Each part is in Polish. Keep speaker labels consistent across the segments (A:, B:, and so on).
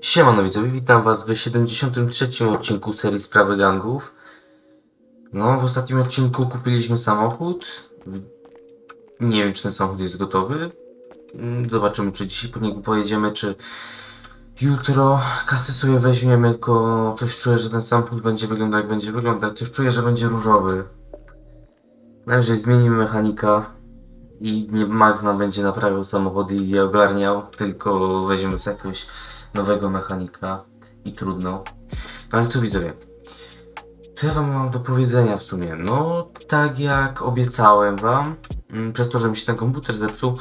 A: Siemano widzowie, witam was w 73. odcinku serii Sprawy Gangów. No, w ostatnim odcinku kupiliśmy samochód. Nie wiem, czy ten samochód jest gotowy. Zobaczymy, czy dzisiaj po niego pojedziemy, czy jutro kasy sobie weźmiemy, tylko coś czuję, że ten samochód będzie wyglądał jak będzie wyglądać. Coś czuję, że będzie różowy. Najwyżej zmienimy mechanika i nie Max nam będzie naprawiał samochody i je ogarniał, tylko weźmiemy sobie jakiegoś nowego mechanika i trudno. No ale co widzowie? Co ja wam mam do powiedzenia w sumie? No, tak jak obiecałem wam, przez to, że mi się ten komputer zepsuł,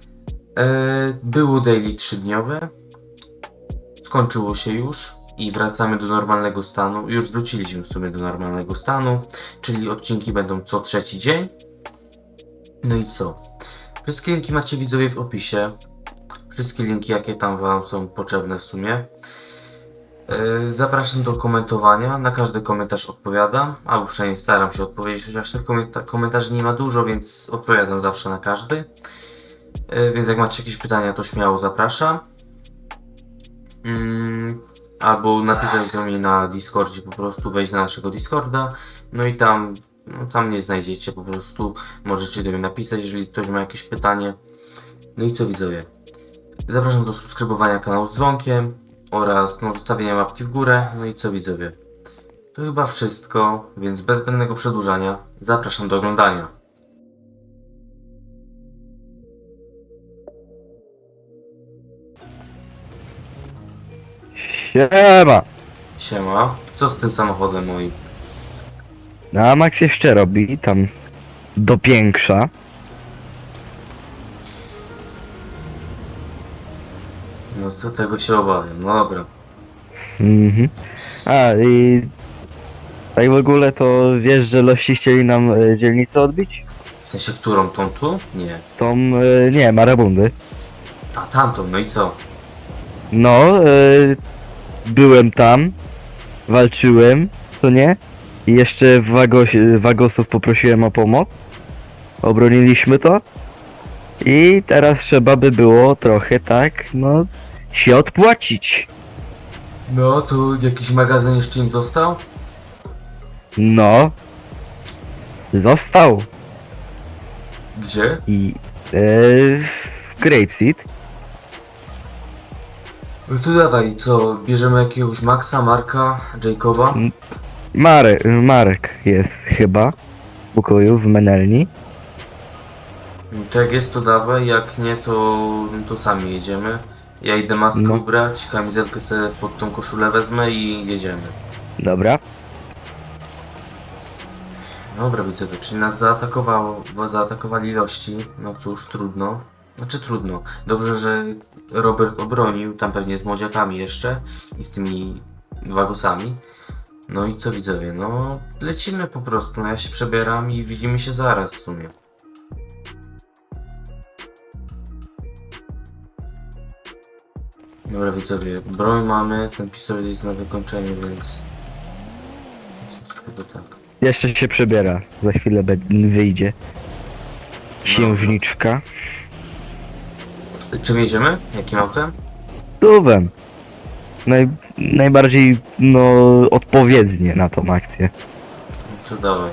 A: było daily 3-dniowe, skończyło się już i wracamy do normalnego stanu. Już wróciliśmy w sumie do normalnego stanu, czyli odcinki będą co trzeci dzień. No i co? Wszystkie linki macie widzowie w opisie. Wszystkie linki, jakie tam wam są potrzebne w sumie. Zapraszam do komentowania. Na każdy komentarz odpowiadam, albo przynajmniej staram się odpowiedzieć, chociaż tych komentarzy nie ma dużo, więc odpowiadam zawsze na każdy. Więc jak macie jakieś pytania, to śmiało zapraszam. Albo napisać do mnie na Discordzie, po prostu wejść na naszego Discorda. No i tam mnie znajdziecie, po prostu możecie do mnie napisać, jeżeli ktoś ma jakieś pytanie. No i co widzowie? Zapraszam do subskrybowania kanału z dzwonkiem oraz zostawienia łapki w górę. No i co widzowie? To chyba wszystko, więc bez zbędnego przedłużania zapraszam do oglądania.
B: Siema!
A: Siema, co z tym samochodem moim?
B: No a Max jeszcze robi tam dopiększa.
A: No co tego się obawiam, no dobra.
B: Mhm. A i tak w ogóle to wiesz, że Lości chcieli nam dzielnicę odbić?
A: W sensie którą, tą tu? Nie.
B: Tą, nie, Marabundy.
A: A tamtą, no i co?
B: No, byłem tam, walczyłem, to nie? I jeszcze Wagosów poprosiłem o pomoc. Obroniliśmy to. I teraz trzeba by było trochę tak, no, się odpłacić.
A: No, tu jakiś magazyn jeszcze im został?
B: No, został.
A: Gdzie?
B: I Grapeseed.
A: No to dawaj, co? Bierzemy jakiegoś Maxa, Marka, Jacoba?
B: Marek jest chyba w pokoju w Menelni.
A: To jak jest to dawaj, jak nie to sami jedziemy. Ja idę maskę
B: No.
A: ubrać, kamizelkę sobie pod tą koszulę wezmę i jedziemy.
B: Dobra.
A: Dobra widzowie, czyli nas zaatakowali ilości, no cóż, trudno. Znaczy trudno. Dobrze, że Robert obronił, tam pewnie z młodziakami jeszcze i z tymi wagosami. No i co widzowie, no lecimy po prostu, no ja się przebieram i widzimy się zaraz w sumie. Dobra widzowie, broń mamy, ten pistolet jest na wykończeniu, więc... Chyba tak.
B: Jeszcze się przebiera. Za chwilę wyjdzie. Księżniczka.
A: Czym jedziemy? Jakim autem?
B: Tuwem. Najbardziej, no, odpowiednie na tą akcję.
A: No to dawaj.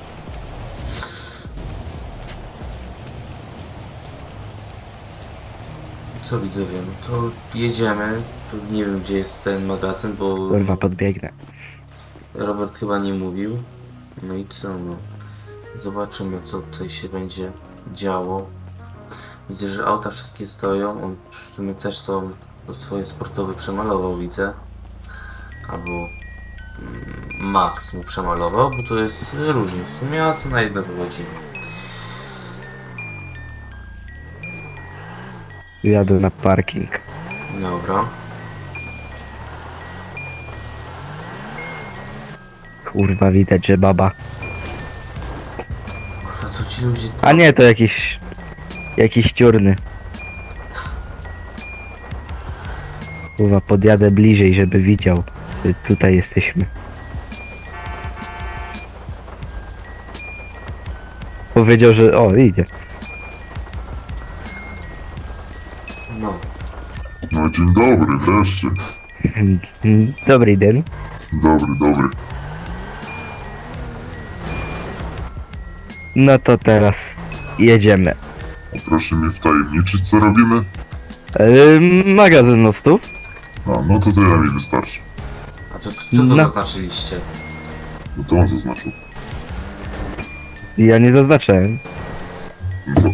A: Co widzowie, no to jedziemy. Tu nie wiem gdzie jest ten magazyn, bo
B: Kurwa, podbiegnę.
A: Robert chyba nie mówił. No i co no. Zobaczymy co tutaj się będzie działo. Widzę, że auta wszystkie stoją. On w sumie też to swoje sportowe przemalował, widzę. Albo Max mu przemalował, bo to jest różnie w sumie, a to na jedno wychodzi.
B: Jadę na parking.
A: Dobra.
B: Kurwa, widać, że baba.
A: A co ci ludzie...
B: A nie, to jakiś ciurny. Kurwa, podjadę bliżej, żeby widział. Że tutaj jesteśmy. Powiedział, że... O, idzie.
A: No.
C: No dzień dobry, wreszcie.
B: Dobry dzień.
C: Dobry.
B: No to teraz jedziemy.
C: A proszę mi wtajemniczyć, co robimy?
B: Magazyn mostów.
C: A, no to tyle mi wystarczy.
A: A to co to
B: No.
A: zaznaczyliście?
C: No to on zaznaczył.
B: Ja nie zaznaczyłem.
C: No to,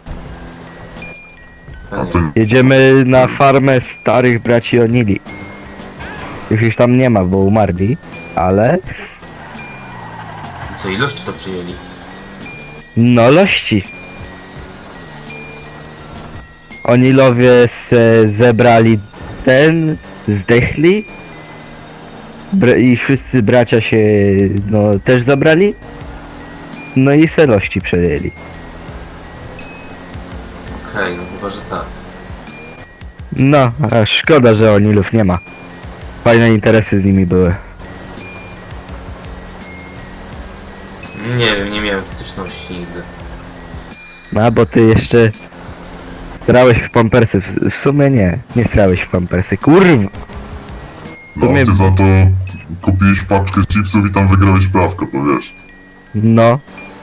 A: Ja
C: a
A: nie
C: to
A: wiem.
B: Jedziemy na farmę starych braci Onili. Już tam nie ma, bo umarli, ale
A: Co ilość to przyjęli?
B: no lości. Onilowie se zebrali zdechli. I wszyscy bracia się, no, też zabrali. No i se lości przejęli.
A: Okej, no chyba, że tak.
B: No, a szkoda, że Onilów nie ma. Fajne interesy z nimi były.
A: Nie wiem, nie miałem styczności nigdy.
B: No, bo ty jeszcze strałeś w pampersy. W sumie nie strałeś w pampersy. Kurwa!
C: no
B: sumie-
C: ty za to kupiłeś paczkę chipsów i tam wygrałeś prawko, to wiesz.
B: No.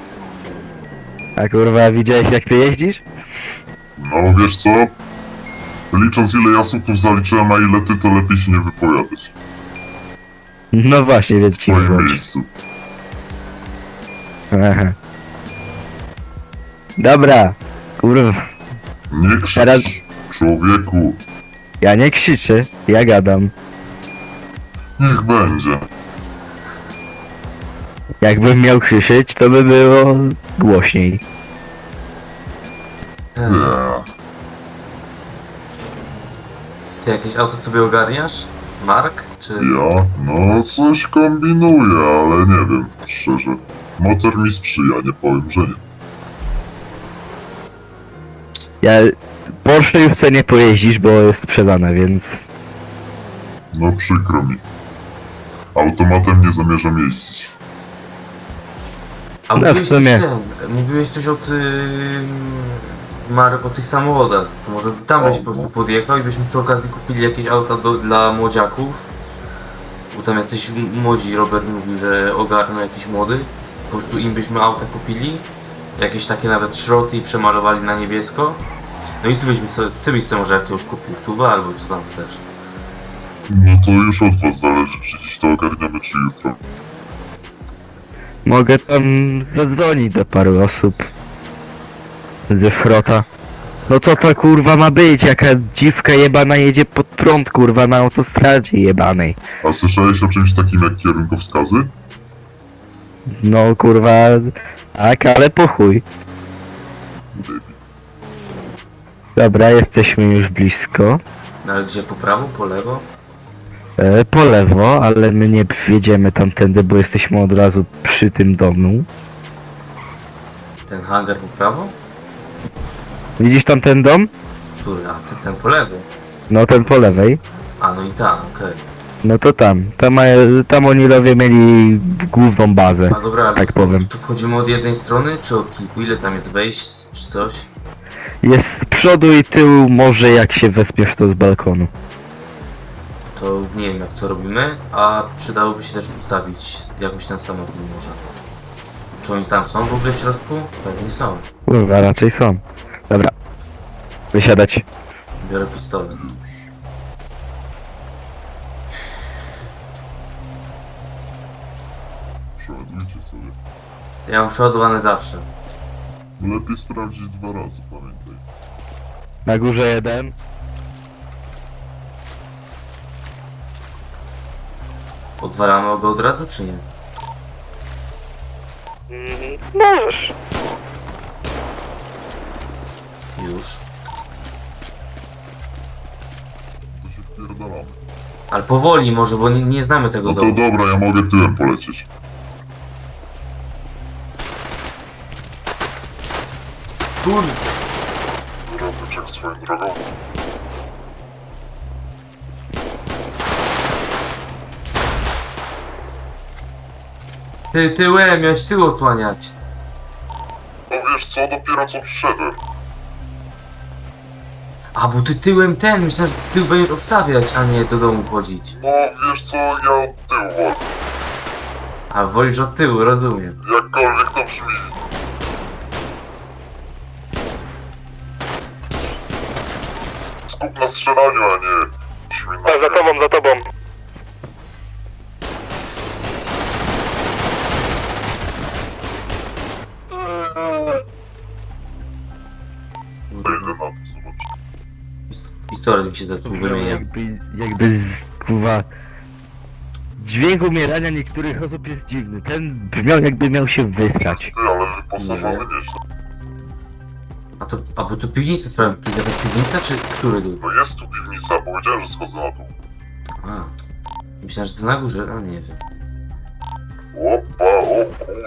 B: A kurwa, widziałeś jak ty jeździsz?
C: No wiesz co? Licząc ile ja słupów zaliczyłem, a ile ty, to lepiej się nie wypowiadać.
B: No właśnie, więc
C: W
B: ci
C: twoim
B: mówię.
C: miejscu.
B: Aha. Dobra. Kurwa.
C: Nie krzycz,
B: Teraz-
C: człowieku.
B: Ja nie krzyczę, ja gadam.
C: Niech będzie.
B: Jakbym miał krzyczeć, to by było głośniej.
C: Yeah.
A: Ty jakieś auto sobie ogarniasz? Mark? Czy...
C: Ja? No coś kombinuję, ale nie wiem, szczerze. Motor mi sprzyja, nie powiem, że nie.
B: Ja... Porsche już sobie nie pojeździsz, bo jest sprzedane, więc...
C: No przykro mi. Automatem nie zamierzam jeździć.
A: A
B: No,
A: mówiłeś
B: w sumie.
A: mówiłeś coś o tym... Marek, o tych samochodach. To może tam byś po prostu podjechał i byśmy przy okazji kupili jakieś auta dla młodziaków. Bo tam jacyś młodzi, Robert mówił, że ogarną jakiś młody. Po prostu im byśmy auta kupili. Jakieś takie nawet szroty i przemalowali na niebiesko. No i ty byś sobie może jakiegoś kupił suwa albo co tam chcesz.
C: No to już od was zależy, czy dziś to ogarniamy, czy jutro.
B: Mogę tam zadzwonić do paru osób. Ze Frota. No co to kurwa ma być? Jaka dziwka jebana jedzie pod prąd kurwa na autostradzie jebanej.
C: A słyszałeś o czymś takim jak kierunkowskazy?
B: No kurwa... Tak, ale po chuj.
C: Debil.
B: Dobra, jesteśmy już blisko.
A: No ale gdzie, po prawo, po lewo?
B: Po lewo, ale my nie wjedziemy tamtędy, bo jesteśmy od razu przy tym domu.
A: Ten hangar po prawo?
B: Widzisz tam ten dom?
A: Który? A ty ten po lewo.
B: No ten po lewej.
A: A no i tam, okej.
B: No to tam. Tam Onilowie mieli główną bazę.
A: A dobra, ale
B: Tak powiem.
A: tu wchodzimy od jednej strony, czy od kilku? Ile tam jest wejść, czy coś?
B: Jest z przodu i tyłu, może jak się wespiesz to z balkonu.
A: To nie wiem jak to robimy, a przydałoby się też ustawić jakoś ten samochód może. Czy oni tam są w ogóle w środku? Pewnie są.
B: Kurwa, raczej są. Dobra. Wysiadać.
A: Biorę pistolet.
C: Przeładujcie sobie.
A: Ja mam przeładowane zawsze.
C: Lepiej sprawdzić 2 razy, pamiętaj.
B: Na górze jeden.
A: Odwalamy go od razu, czy nie?
B: Możesz.
A: Już.
C: To się wpierdalamy.
A: Ale powoli może, bo nie znamy tego
C: No to
A: domu.
C: dobra, ja mogę tyłem polecieć.
A: Kurde.
C: Robyczek swoją drogą.
A: Ty tyłem, miałeś tył osłaniać.
C: No wiesz co, dopiero co przyszedłem.
A: A bo ty tyłem ten, myślałem, że tył będziesz obstawiać, a nie do domu chodzić.
C: No wiesz co, ja od tyłu wolę.
A: A wolisz od tyłu, rozumiem.
C: Jakkolwiek to brzmi. Skup na strzelaniu, a nie brzmi na...
B: Za tobą, za tobą.
C: Idę na to, zobacz.
A: Pistolet mi się zepsuł, wymieniam.
B: Jakby kurwa... Dźwięk umierania niektórych osób jest dziwny. Ten brzmiał jakby miał się wysrać.
C: Ty, ale wyposażony nieźle.
A: A bo to piwnica, sprawdzam, to jest jakaś piwnica, czy który dół?
C: No jest tu piwnica, powiedziałem, że schodzę na dół.
A: A. Myślałem, że to na górze, a nie wiem.
C: Opa, o kur...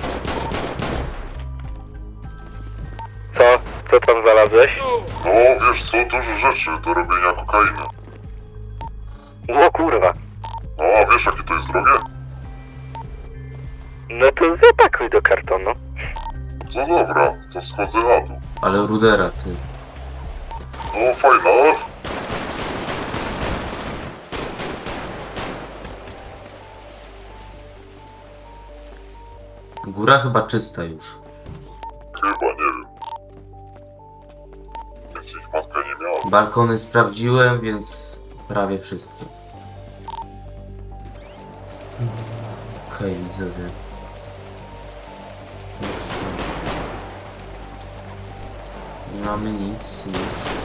B: Co? Co tam znalazłeś?
C: No wiesz co, dużo rzeczy do robienia kokainy.
B: O kurwa.
C: No a wiesz jakie to jest drogie?
B: No to zapakuj do kartonu.
C: No dobra, to schodzę na dół.
A: Ale rudera, ty.
C: No fajna.
A: Góra chyba czysta już.
C: Chyba, nie wiem. Więc ich matka nie miała.
A: Balkony sprawdziłem, więc prawie wszystkie. Okej, widzowie. Nie mamy nic już.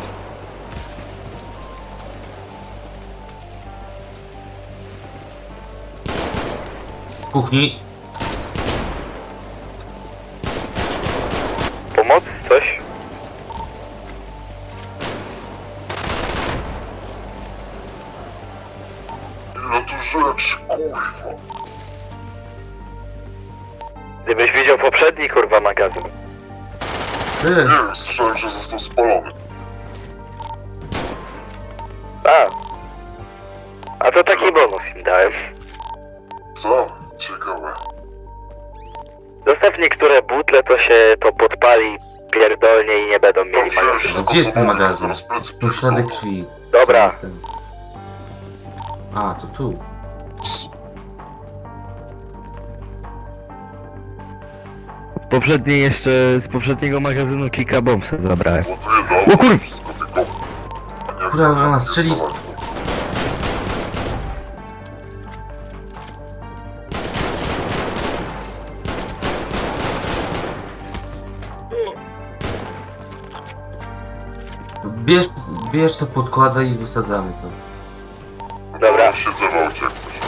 A: W kuchni.
B: Pomoc? Coś?
C: Ile tu rzeczy, kurwa.
B: Gdybyś widział poprzedni kurwa magazyn.
A: Ty,
C: Nie wiem, słyszałem, że został spalony.
B: A to taki bonus im dałem.
C: Co? Ciekawe.
B: Zostaw niektóre butle, to się to podpali pierdolnie i nie będą mieli magazynu.
A: a gdzie jest ten magazyn? Tu ślady krwi.
B: Dobra.
A: A, to tu.
B: Z poprzedniego magazynu Kika Bomb sobie zabrałem.
C: Bo tu jest
B: O kur...
C: wszystko tylko... A nie
A: Kurwa,
C: wiem,
A: ona
C: jak
A: strzeli.
C: to
A: Bierz to, podkładaj i wysadzamy to.
B: Dobra.
C: Siedzę w aucie, jak chcesz.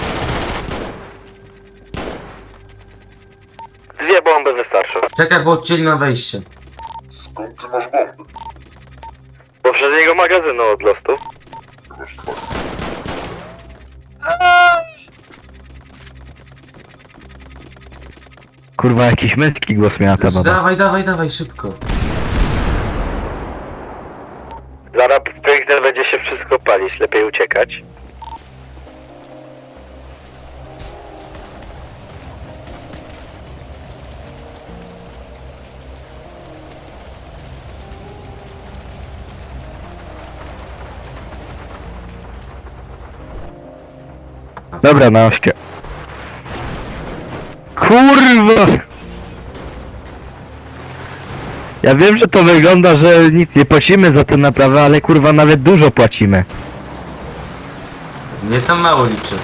B: Dwie bomby wystarczą.
A: Czekaj, bo odcięli na wejście.
C: Skąd ty masz bomby?
B: Z poprzedniego magazynu od lostu.
C: Chyba, że tak.
B: Kurwa, jakiś męski głos miała ta baba.
A: Dawaj, dawaj, dawaj, szybko.
B: Zaraz piękne będzie się wszystko palić, lepiej uciekać. Dobra, na ośkę. Kurwa! Ja wiem, że to wygląda, że nic nie płacimy za tę naprawę, ale kurwa nawet dużo płacimy.
A: Nie tam mało liczę.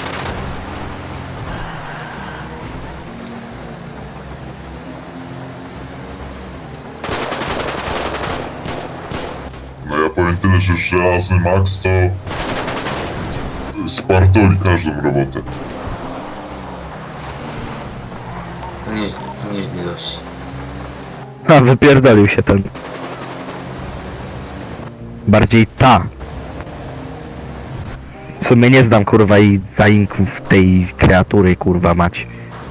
C: No ja powiem tyle, że żelazny Max to... spartoli każdą robotę.
A: To nieźle dość.
B: A, wypierdolił się ten. Bardziej ta. W sumie nie znam kurwa i zaimków tej kreatury kurwa mać.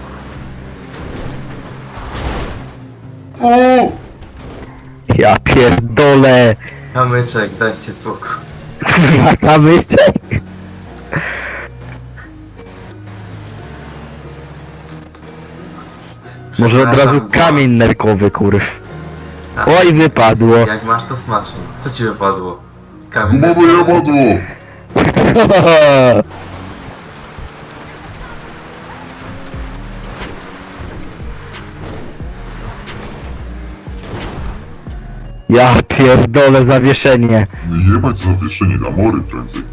C: O!
B: Ja pierdolę!
A: Kamyczek, dajcie spokój.
B: Kurwa kamyczek! Może od razu
A: Przepraszam,
B: kamień nerkowy kurw.
A: A,
B: Oj, wypadło.
A: jak masz to smacznie. Co ci wypadło? Kamień.
C: Gumowe jabadło!
B: Ja pierdolę zawieszenie.
C: Jebać zawieszenie na mory prędzej.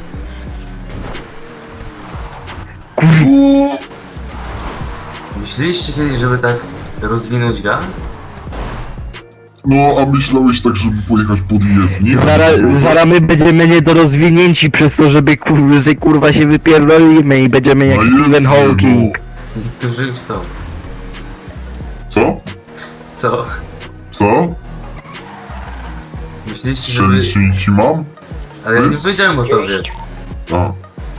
A: Myśleliście kiedyś, żeby tak rozwinąć gang?
C: No, a myślałeś tak, żeby pojechać pod jezdnię?
B: Zaraz my będziemy niedorozwinięci przez to, że kurwa się wypierdolimy i będziemy jak
C: No
B: Stephen
C: jest,
B: Hawking.
A: Niektórzy już są.
C: Co?
A: Co?
C: Co?
A: Myśleliście, żeby...
C: Strzelić ci mam?
A: Ale ja nie powiedziałem o tobie.
C: A.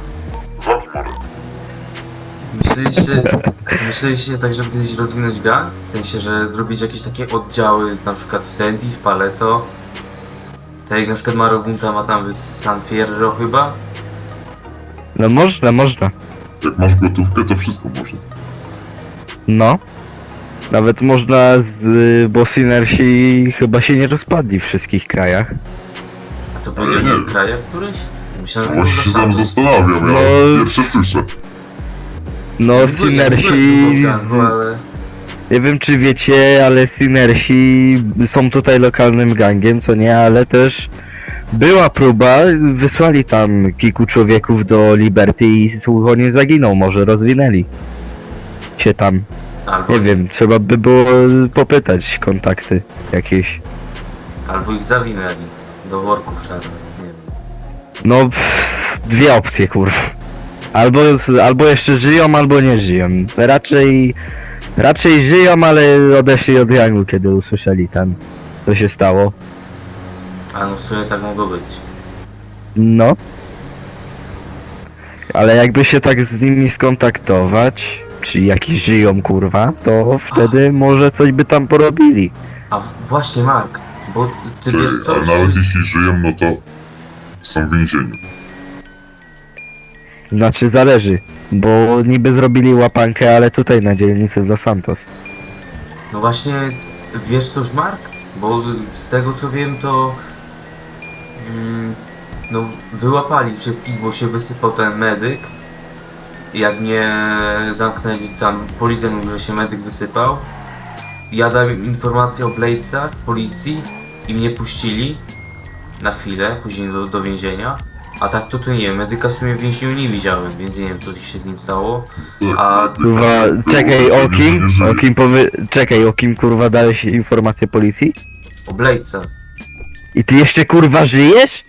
A: Myśleliście tak, żeby kiedyś rozwinąć gang? W sensie, że zrobić jakieś takie oddziały, na przykład w Sandy, w Paleto. Tak jak na przykład Marobunta ma tam w San Fierro chyba.
B: No można.
C: Jak masz gotówkę, to wszystko można.
B: No. Nawet można, bo Synersi chyba się nie rozpadli w wszystkich krajach.
A: A to
C: Ale
A: byli
C: nie
A: w
C: wiem.
A: krajach któryś? Myślałem,
C: Właśnie się
A: to
C: sam zastanawiam, ja
B: No.
C: pierwsze słyszę.
B: No
A: Ja byłem
B: Synersi...
A: w gangu, ale...
B: Nie wiem czy wiecie, ale Synersi są tutaj lokalnym gangiem, co nie, ale też była próba, wysłali tam kilku człowieków do Liberty i słucho nie zaginął, może rozwinęli się tam.
A: Albo,
B: Nie wiem, trzeba by było popytać kontakty jakieś.
A: albo ich zawinęli do worków czarnych, nie wiem.
B: No, dwie opcje kurwa. Albo jeszcze żyją, albo nie żyją. Raczej żyją, ale odeszli od gangu, kiedy usłyszeli tam, co się stało.
A: A no w sumie tak mogło być.
B: No. Ale jakby się tak z nimi skontaktować, czy jakiś żyją kurwa, to wtedy może coś by tam porobili.
A: A właśnie Mark, bo ty wiesz
C: Ale
A: coś,
C: nawet
A: czy...
C: jeśli żyją, no to są w więzieniu.
B: Znaczy zależy, bo niby zrobili łapankę, ale tutaj na dzielnicy w Los Santos.
A: No właśnie, wiesz coś Mark? Bo z tego co wiem to... no wyłapali wszystkich, bo się wysypał ten medyk. Jak mnie zamknęli tam, policja mówił, że się medyk wysypał. Ja dałem im informację o Bladesach, policji i mnie puścili na chwilę, później do więzienia. A tak to nie wiem, medyka w sumie w więzieniu nie widziałem, więc nie wiem co się z nim stało.
C: Tak,
A: A,
B: Kurwa, czekaj, o kim kurwa dałeś informację policji?
A: O Bladesach.
B: I ty jeszcze kurwa żyjesz?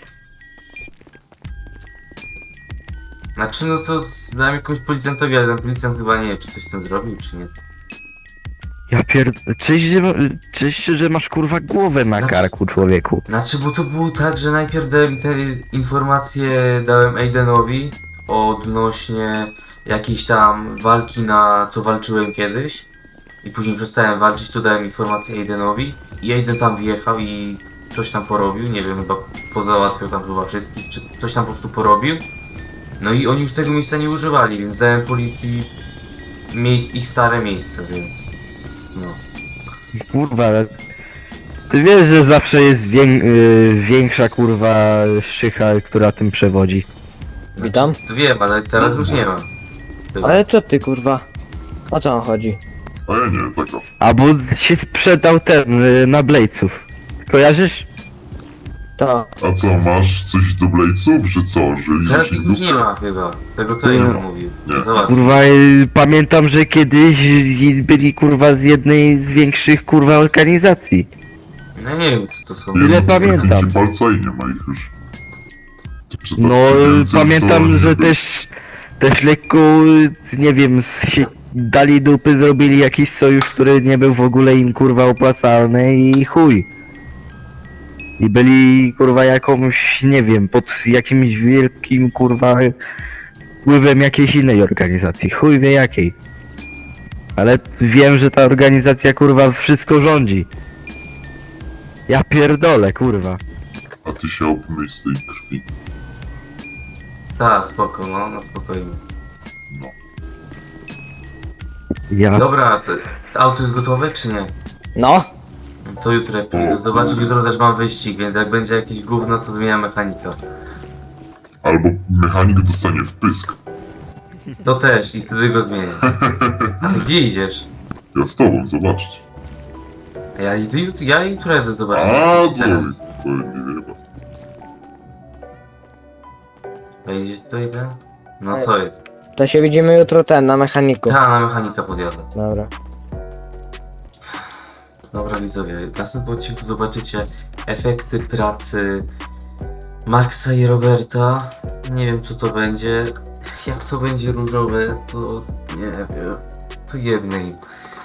A: Znaczy no to dałem jakąś policjantowi, ale ten policjant chyba nie wiem czy coś z tym zrobił czy nie.
B: Ja cześć, że masz kurwa głowę na
A: Znaczy-
B: karku, człowieku.
A: Znaczy, bo to było tak, że najpierw dałem te informacje dałem Aidenowi odnośnie jakiejś tam walki co walczyłem kiedyś i później przestałem walczyć, to dałem informację Aidenowi i Aiden tam wjechał i coś tam porobił, nie wiem, chyba pozałatwiał tam chyba wszystkich, czy coś tam po prostu porobił. No i oni już tego miejsca nie używali, więc dałem policji ich stare miejsce, więc no.
B: Kurwa, ale ty wiesz, że zawsze jest większa kurwa szycha, która tym przewodzi.
D: Witam.
A: To wiem, ale teraz już nie mam. Chyba.
D: Ale co ty kurwa? O co on chodzi?
C: A ja nie, taka.
B: Albo się sprzedał ten na Bladesów. Kojarzysz?
D: To.
C: A co, masz coś do Bladesów, że co, że
A: Teraz
C: liczysz
A: ich już nie
C: dupę?
A: ma chyba. Tego to Aiden mówił.
C: Nie.
A: Zobacz.
B: Kurwa, pamiętam, że kiedyś byli kurwa z jednej z większych kurwa organizacji.
A: No nie wiem co to są.
B: Ile
C: no,
B: pamiętam.
C: zamknięci palca i nie ma ich już. Czy tak
B: No,
C: więcej,
B: pamiętam,
C: to
B: że
C: nie
B: też lekko, nie wiem, się dali dupy, zrobili jakiś sojusz, który nie był w ogóle im kurwa opłacalny i chuj. I byli kurwa jakąś, nie wiem, pod jakimś wielkim kurwa wpływem jakiejś innej organizacji, chuj wie jakiej. Ale wiem, że ta organizacja kurwa wszystko rządzi. Ja pierdolę kurwa.
C: A ty się obmyj z tej krwi.
A: Tak, spoko, no spokojnie.
C: No.
B: Ja
A: Dobra, to auto jest gotowe czy nie?
D: No.
A: To jutro jak przyjdę zobaczyć, jutro też mam wyścig, więc jak będzie jakieś gówno, to zmienia mechanika.
C: Albo mechanik dostanie wpysk.
A: To też i wtedy go zmienię. A ty gdzie idziesz?
C: Ja z tobą, zobaczyć.
A: A ja jutro jadę zobaczyć.
C: A,
A: wyścig teraz.
C: to nie wiem.
A: A idziesz to idę? No co jest?
D: To się widzimy jutro na mechaniku.
A: Ta, na mechanika podjadę.
D: Dobra.
A: Dobra widzowie, w następnym odcinku zobaczycie efekty pracy Maxa i Roberta. Nie wiem co to będzie. Jak to będzie różowe, to nie wiem. To jednej. im.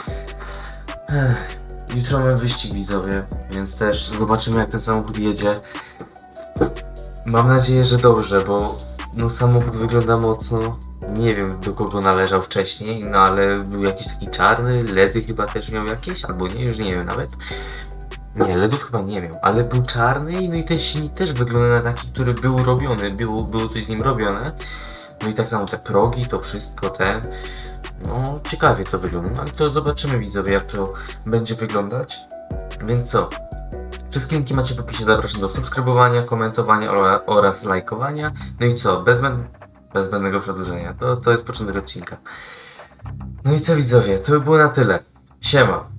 A: Jutro mamy wyścig widzowie, więc też zobaczymy jak ten samochód jedzie. Mam nadzieję, że dobrze, bo no samochód wygląda mocno. Nie wiem do kogo należał wcześniej, no ale był jakiś taki czarny, LEDy chyba też miał jakieś, albo nie, już nie wiem nawet. Nie, LEDów chyba nie miał, ale był czarny, no i ten silnik też wygląda na taki, który był robiony, było coś z nim robione. No i tak samo te progi, to wszystko no ciekawie to wygląda, no ale to zobaczymy widzowie jak to będzie wyglądać. Więc co? Wszystkie linki macie w opisie, zapraszam do subskrybowania, komentowania oraz lajkowania. No i co? Bez zbędnego przedłużenia. To jest początek odcinka. No i co widzowie? To by było na tyle. Siema.